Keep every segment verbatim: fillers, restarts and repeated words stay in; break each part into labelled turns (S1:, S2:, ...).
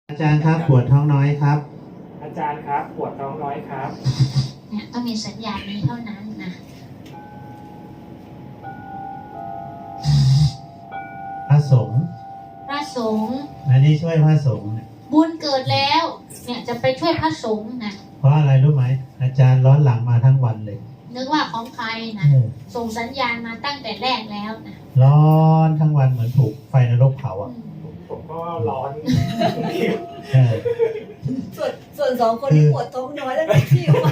S1: อาจารย์ครับปวดท้องน้อยครับ
S2: อาจารย์ครับปวดท้องน้อยครับ
S3: เนี่ยต้องมีสัญญาณนี้เท่านั้นนะ
S1: พระสงฆ์
S3: พระสงฆ์
S1: อันนี้ช่วยพระสงฆ์
S3: บุญเกิดแล้วเนี่ยจะไปช่วยพระสงฆ์นะ
S1: เพราะอะไรรู้ไหมอาจารย์ร้อนหลังมาทั้งวันเลย
S3: นึกว่าของใครนะส่งสัญญาณมาตั้งแต่แรกแล้วนะ
S1: ร้อนทั้งวันเหมือนถูกไฟนรกเผาอ่ะ
S2: ผมก็ร้อน
S4: ส่วนส่วนสองคนที่ปวดท้องน้อยแล้วไม่ที่ว่า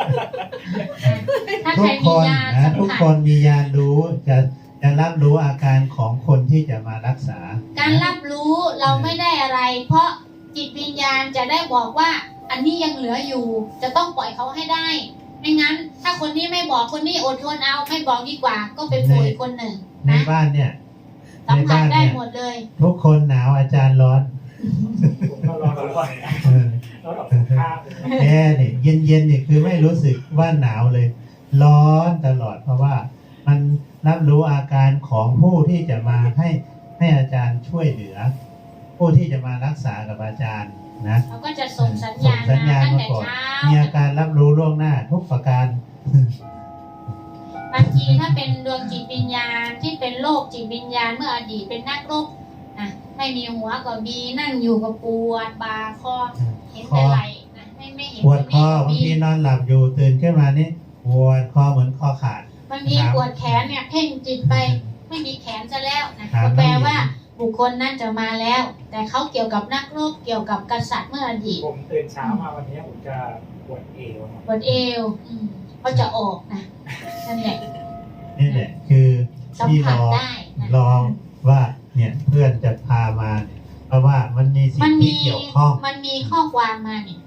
S3: ถ้าใครมียา
S1: นะทุกคนมียารู้จะจะรับรู้อาการของคนที่จะมารักษา
S3: การรับรู้เราไม่ได้อะไร เพราะจิตวิญญาณจะได้บอกว่าอันนี้ยังเหลืออยู่จะต้องปล่อยเขาให้ได้ไม่งั้นถ้าคนนี้ไม่บอกคนนี้อดทนเอาไม่บอกดีกว่าก็เป็นป่วยคนหนึ่ง
S1: ในบ้านเนี่ย
S3: สัมผัสได้หมดเลย
S1: ทุกคนหนาวอาจารย์ร้อน
S2: ผมก็ร้อนร้อนร้อนออกข้าง
S1: แอร์เนี่ยเย็นเย็นเนี่ยคือไม่รู้สึกว่าหนาวเลยร้อนตลอดเพราะว่ามันรับรู้อาการของผู้ที่จะมาให้ให้อาจารย์ช่วยเหลือผู้ที่จะมารักษากับอาจารย์นะ
S3: เขาก็จะส่งสัญญาณมาตั้งแต่เช้า
S1: มีอาการรับรู้ล่วงหน้าทุกประการ
S3: บางทีถ้าเป็นดวงจิตวิญญาณที่เป็นโรคจิตวิญญาณเมื่ออดีตเป็นนักรบนะไม่มีหัวก็มีนั่งอยู่กับปวดบาคอเห็นแต่ไหล่นะไม่ไม่เห็น
S1: ปวดคอบางทีนอนหลับอยู่ตื่นขึ้นมานี่ปวดคอเหมือนคอขาด
S3: บางทีปวดแขนเนี่ยเพ่งจิตไปไม่มีแขนซะแล้วนะก็แปลว่าบุคคลนั่นจะมาแล้วแต่เขาเกี่ยวกับนักรบเกี่ยวกับกษัตริย์เมื่ออดีต
S2: ผมตื่นเช้ามาวันนี้ผมจะปวดเอว
S3: ปวดเอวเขาจะออกนะนั่นแหละ
S1: นี่แหละคือที่รอรอว่าเนี่ยเพื่อนจะพามาเพราะว่ามันมีสิ่งที่เกี่ยวข้อง
S3: มันมีข้อความมาเนี่ย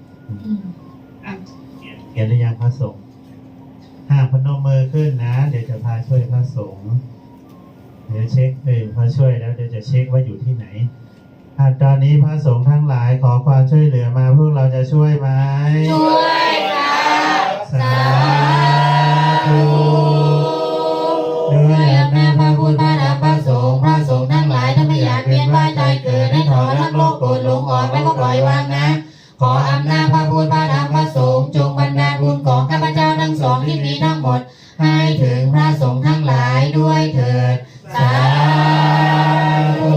S1: เขียนหรือยังพระสงฆ์ห้าพนมมือขึ้นนะเดี๋ยวจะพาช่วยพระสงฆ์เดี๋ยวเช็คเลยพอช่วยแล้วเดี๋ยวจะเช็คว่าอยู่ที่ไหนตอนนี้พระสงฆ์ทั้งหลายขอความช่วยเหลือมาพวกเราจะช่วยไหม
S3: ช่วยครับสาธุ
S1: ด้วยอำนาจพระพุทธพระธรรมพระสงฆ์พระสงฆ์ทั้งหลายถ้าไม่อยากเวียนว่ายตายเกิดให้ถอนทั้งโลกโกรธหลงอ่อนไม่ก็ปล่อยวางนะขออำนาจพระพุทธพระธรรมพระสงฆ์จงบันดาลบุญของข้าพเจ้าทั้งสองที่มีทั้งหมดให้ถึงพระสงฆ์ทั้งหลายด้วยเถิดสาธุ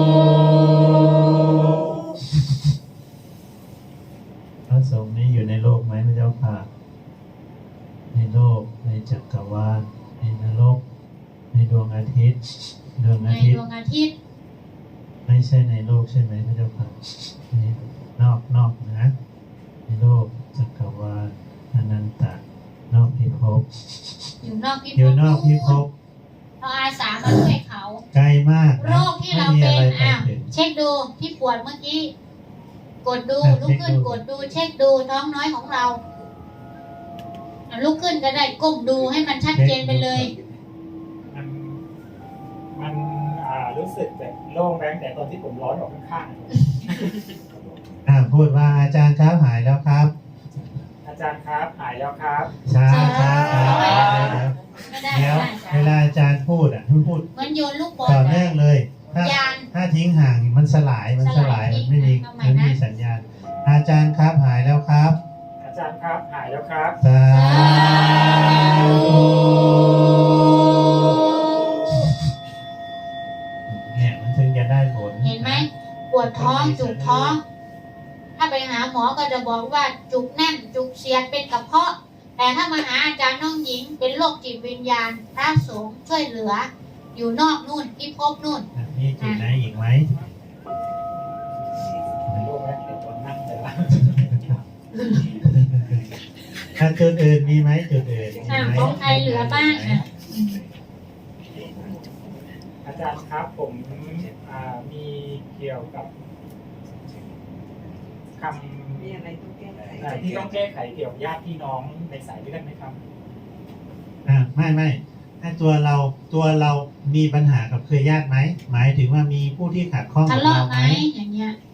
S1: พระสงฆ์นี้อยู่ในโลกไหมพระเจ้าค่ะในโลกในจักรวาลในนรกในดวงอาทิตย์ดวงอาทิตย์
S3: ดวงอาทิตย์
S1: ไม่ใช่ในโลกใช่ไหมพระเจ้าค่ะนอกนอกนะในโลกจักรวาลอนันตะนอกพิภพ
S3: อยู่นอกพิภพ
S1: อยู่นอกพิภพ
S3: เราอาสามาช่วยเขา
S1: ไกลมาก
S3: โรคที่เราเป็นอ้าวเช็คดูที่ปวดเมื่อกี้กดดูลุกขึ้นกดดูเช็คดูท้องน้อยของเราลุกขึ้นก็ได้ก้มดูให้มันชัดเจนไปเลย
S2: มันมันอ่ารู้สึกแบบโล่งแรงแต่ตอนที่ผมร้อนออกข้าง
S1: ๆอ่าพูดว่าอาจารย์ครับหายแล้วครับ
S2: อาจารย์ครับหายแล้วครับ
S1: ช้าช้าเดี๋ยวเวลาอาจารย์พูดอ่ะพูด
S3: มันโยนลูกบอล
S1: ต่อเนื่องเลยถ้าถ้าทิ้งห่างมันสลายมันสลายมันไม่มีมันไม่มีสัญญาณอาจารย์ครับหายแล้วครับ
S2: อาจารย์ครับหายแล้วครับ
S1: สาธุเนี่ยมันถึงจะได้ผล
S3: เห็นไหมปวดท้องจุกท้องถ้าไปหาหมอก็จะบอกว่าจุกแน่นจุกเสียดเป็นกระเพาะแต่ถ้ามาหาอาจารย์น้องหญิงเป็นโรคจิตวิญญาณพระสงฆ์ช่วยเหลืออยู่นอกนู่นที่พบนู่น
S1: มีจุดไหนอีกไหม
S2: ไม่รู้ไหมตอนนั่งแต่ละ
S1: ถ้าจุดอื่นมีไหมจุดอื่น
S3: ของใครเหลือบ้าง
S2: อาจารย์ครับผมมีเกี่ยวกับคำ
S4: มีอะไรต้องแก้ไข
S2: ที่ต้องแก้ไขเกี่ยวกับญาติพี่น้องในสายเลือดไหมครับ
S1: อ่าไม่ไม่ให้ตัวเราตัวเรามีปัญหากับเครือญาติไหมหมายถึงว่ามีผู้ที่ขัดข้อง
S3: กับเราไหมอย่างเงี้ย